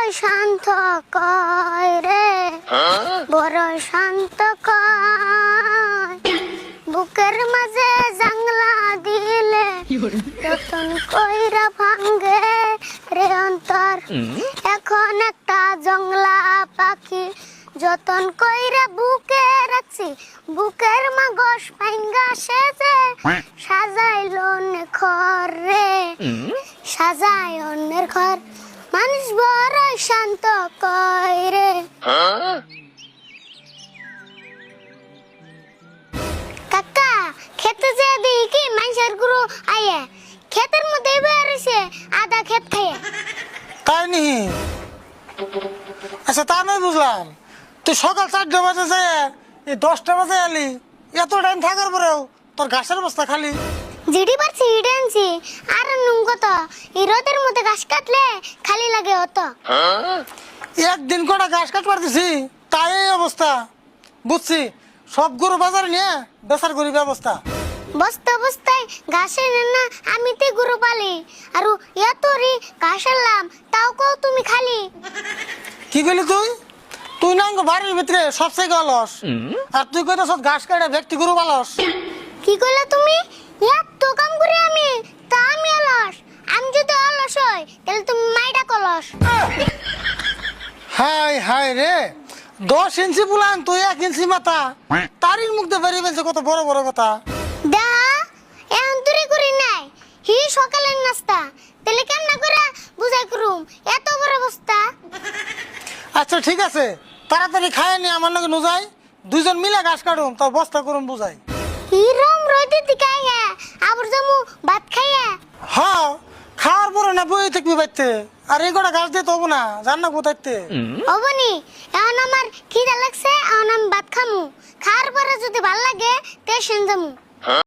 শান্ত কয় রে, বড় শান্ত কয়, বুকের মাঝে জাংলা দিলে যতন কইরা ভাঙ্গে রে অন্তর। এখন একটা জংলা পাখি যতন কইরা বুকে রাখছি, বুকের মাগস পাইঙ্গা সেজে সাজাইল অন্যের ঘর রে, সাজাই অন্যের ঘর। মানুষ বড় শান্ত কয় রে। কাকা খেতে যে দিই কি মানুষের গুরু আয়ে ক্ষেতের মধ্যে বেরিয়েছে আধা ক্ষেত খাইয়ে। তাই নি? আচ্ছা তা নয় বুঝলাম, তুই সকাল 4টা বাজে যায় 10টা বাজে এলি, এত টাইম থাকার পরেও তোর ঘাসের বস্তা খালি। জিডি পারছি হিডেনছি আর নুন কত এই রোদের মধ্যে ঘাস কাটলে খালি লাগে অত। একদিন কটা ঘাস কাট পারতেছি তাই এই অবস্থা। বুঝছি, সব গরু বাজারে নিয়ে বেচার করি ব্যবস্থা। বস্তা বস্তায় ঘাসে না আমি তে গরু পালি আর এত রি ঘাস আনলাম তাও কও তুমি খালি। কি কইলি তুই? তুই না বাড়ির ভিতরে সবচেয়ে অলস, আর তুই কইতেছ ঘাস কাটে ব্যক্তি গরু পালস। কি কইলা তুমি? এত কাম করি আমি, তা আমি অলস? আমি যদি অলস হই তাহলে তুমি মাইডা কলস। হাই হাই রে, 10 ইঞ্চি বুলান তুই 1 ইঞ্চি মাথা, তারির মুখ দিয়ে বেরিয়ে ফেলছে কত বড় বড় কথা। দা এখন তুই করি নাই হি সকালের নাস্তা, তাহলে কেমন করে বুঝাই করুম এত বড় বস্তা? আচ্ছা ঠিক আছে, তাড়াতাড়ি খায় নি আমার নাকি নুজাই, দুইজন মিলে ঘাস কাটুম তোর বস্তা করুম বুঝাই। হিরম রইতে দিকাইয়া আবার জামু ভাত খাইয়া। হ্যাঁ, খাওয়ার পরে না বই থাকবি বাইতে, আর এই কটা ঘাস দিয়ে তো হবো না, জান না কোথাইতে। হবনি, এখন আমার খিদা লাগছে, এখন আমি ভাত খামু, খাওয়ার পরে যদি ভাল লাগে তে সেন যামু।